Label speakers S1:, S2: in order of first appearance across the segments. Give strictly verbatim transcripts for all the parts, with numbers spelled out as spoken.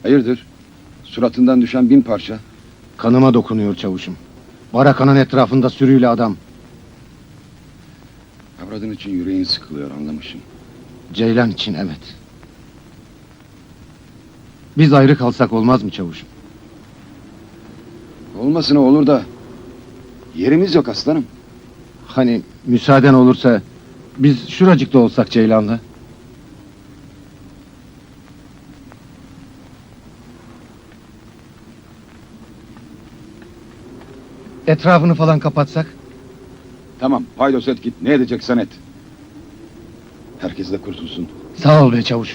S1: Hayırdır? Suratından düşen bin parça.
S2: Kanıma dokunuyor çavuşum. Barakanın etrafında sürüyle adam.
S1: Avradın için yüreğin sıkılıyor, anlamışım.
S2: Ceylan için evet. Biz ayrı kalsak olmaz mı çavuşum?
S1: Olmasına olur da yerimiz yok aslanım.
S2: Hani müsaaden olursa biz şuracıkta olsak Ceylan'la. Etrafını falan kapatsak?
S1: Tamam, paydos et git, ne edeceksen et. Herkes de kurtulsun.
S2: Sağ ol be çavuş.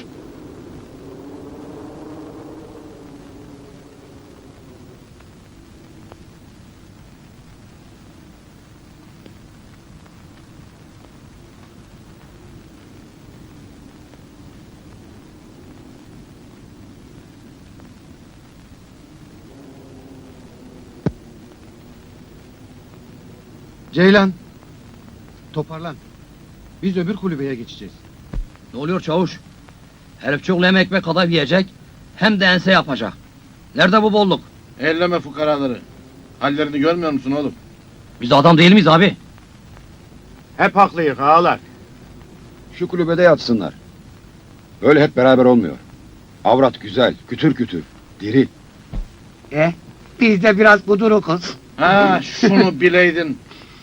S2: Ceylan, toparlan. Biz öbür kulübeye geçeceğiz.
S3: Ne oluyor çavuş? Herif çok hem ekmek kadar yiyecek, hem de ense yapacak. Nerede bu bolluk?
S4: Elleme fukaraları. Hallerini görmüyor musun oğlum?
S3: Biz adam değil miyiz abi?
S4: Hep haklıyız ağalar.
S1: Şu kulübede yatsınlar. Öyle hep beraber olmuyor. Avrat güzel, kütür kütür, diri.
S5: E, biz de biraz kudurukuz.
S4: Ha şunu bileydin.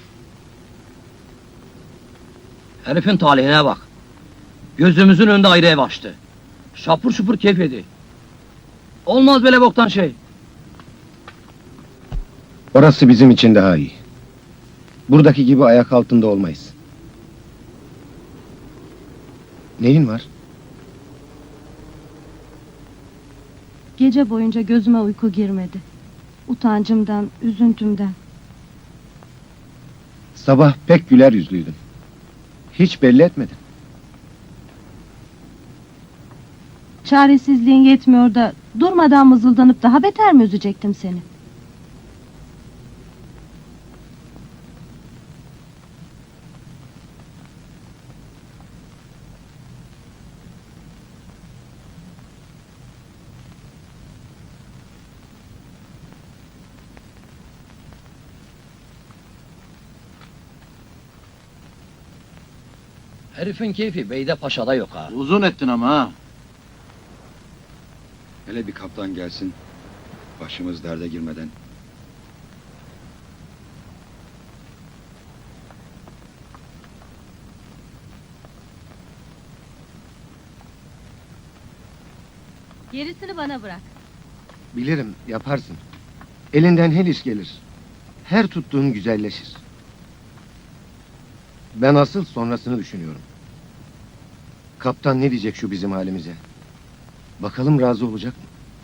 S3: Herifin talihine bak. Gözümüzün önünde ayrı ev açtı. Şapur şupur keyif yedi. Olmaz böyle boktan şey.
S2: Orası bizim için daha iyi. Buradaki gibi ayak altında olmayız. Neyin var?
S6: Gece boyunca gözüme uyku girmedi. Utancımdan, üzüntümden.
S2: Sabah pek güler yüzlüydün. Hiç belli etmedin.
S6: Çaresizliğin yetmiyor da durmadan mızıldanıp daha beter mi üzecektim seni?
S3: Herifin keyfi Beyde Paşa'da yok ha.
S4: Uzun ettin ama ha.
S1: Hele bir kaptan gelsin. Başımız derde girmeden.
S6: Gerisini bana bırak.
S2: Bilirim, yaparsın. Elinden her iş gelir. Her tuttuğun güzelleşir. Ben asıl sonrasını düşünüyorum. Kaptan ne diyecek şu bizim halimize? Bakalım razı olacak mı?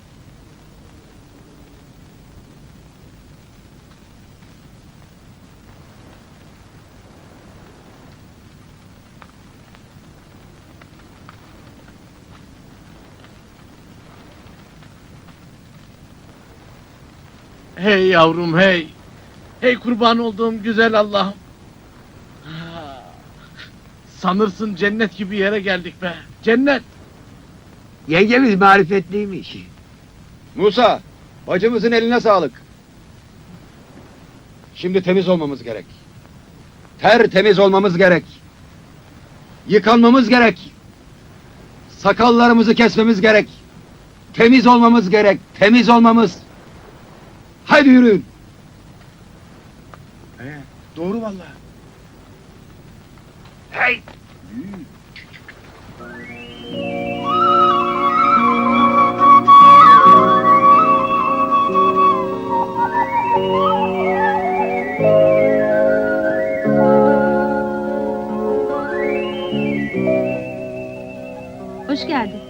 S4: Hey yavrum hey. Hey kurban olduğum güzel Allah'ım. Ha, sanırsın cennet gibi yere geldik be. Cennet.
S5: Yengemiz marifetliymiş.
S1: Musa, bacımızın eline sağlık. Şimdi temiz olmamız gerek. Tertemiz olmamız gerek. Yıkanmamız gerek. Sakallarımızı kesmemiz gerek. Temiz olmamız gerek. Temiz olmamız. Haydi yürüyün.
S4: He, doğru vallahi.
S5: Hey!
S6: Hoş geldin.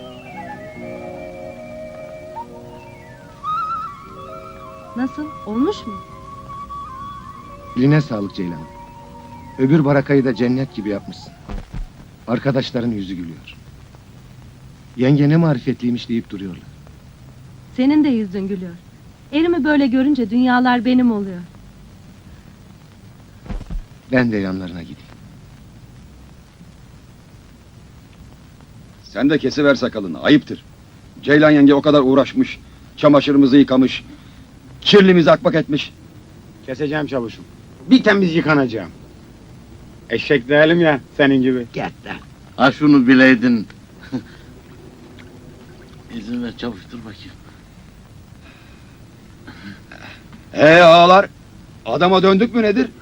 S6: Nasıl? Olmuş mu?
S2: Eline sağlık Ceylan. Öbür barakayı da cennet gibi yapmışsın. Arkadaşların yüzü gülüyor. Yenge ne marifetliymiş deyip duruyorlar.
S6: Senin de yüzün gülüyor. Erimi böyle görünce dünyalar benim oluyor.
S2: Ben de yanlarına gideyim.
S1: Sen de kesiver sakalını, ayıptır. Ceylan yenge o kadar uğraşmış. Çamaşırımızı yıkamış. Kirlimizi akbak etmiş.
S7: Keseceğim çavuşum. Bir temiz yıkanacağım. Eşek değilim ya senin gibi.
S5: Get de.
S4: Ha şunu bileydin. İzin ver çavuş dur bakayım.
S1: Ee ağalar, adama döndük mü nedir?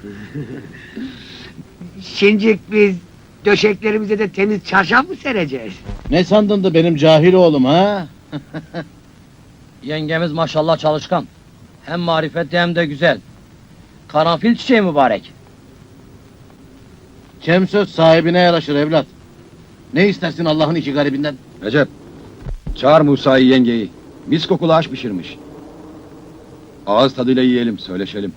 S5: Şimdi biz döşeklerimize de temiz çarşaf mı sereceğiz?
S4: Ne sandın da benim cahil oğlum ha?
S3: Yengemiz maşallah çalışkan. Hem marifetli hem de güzel. Karanfil çiçeği mübarek.
S4: Kem söz sahibine yaraşır evlat. Ne istersin Allah'ın iki garibinden?
S1: Recep, çağır Musa'yı yengeyi. Mis kokulu aş pişirmiş. Ağız tadıyla yiyelim, söyleşelim.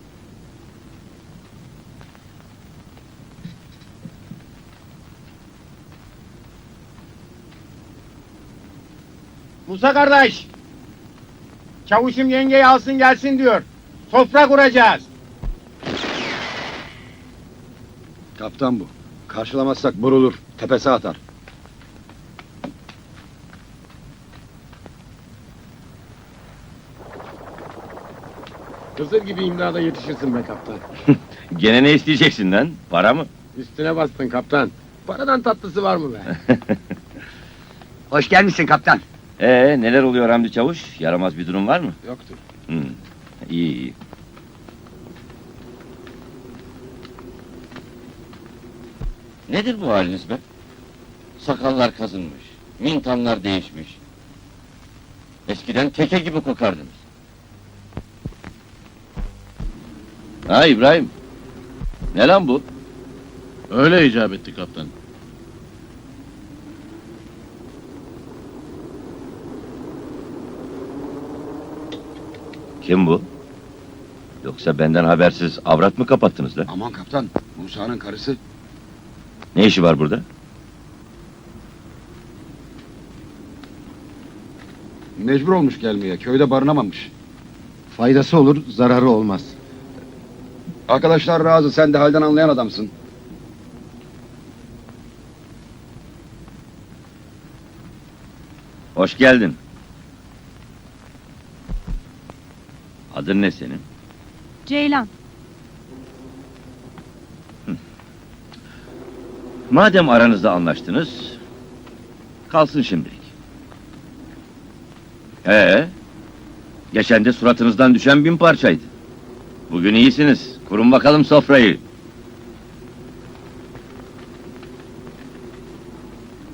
S7: Musa kardeş. Çavuşum yengeyi alsın gelsin diyor. Sofra kuracağız.
S1: Kaptan bu. Karşılamazsak vurulur, tepesi atar.
S7: Hızır gibi imdada yetişirsin be kaptan.
S8: Gene ne isteyeceksin lan? Para mı?
S7: Üstüne bastın kaptan. Paradan tatlısı var mı be?
S5: Hoş gelmişsin kaptan.
S8: Ee, neler oluyor Hamdi Çavuş? Yaramaz bir durum var mı?
S1: Yoktur.
S8: Hı. İyi iyi. Nedir bu haliniz be? Sakallar kazınmış, mintanlar değişmiş. Eskiden teke gibi kokardınız. Ha İbrahim. Ne lan bu?
S4: Öyle icap etti kaptan.
S8: Kim bu? Yoksa benden habersiz avrat mı kapattınız lan?
S1: Aman kaptan, Musa'nın karısı.
S8: Ne işi var burada?
S1: Mecbur olmuş gelmeye, köyde barınamamış.
S2: Faydası olur, zararı olmaz.
S1: Arkadaşlar razı, sen de halden anlayan adamsın.
S8: Hoş geldin. Adın ne senin?
S6: Ceylan.
S8: Madem aranızda anlaştınız, kalsın şimdilik. Ee, geçen de suratınızdan düşen bin parçaydı. Bugün iyisiniz. Kurun bakalım sofrayı.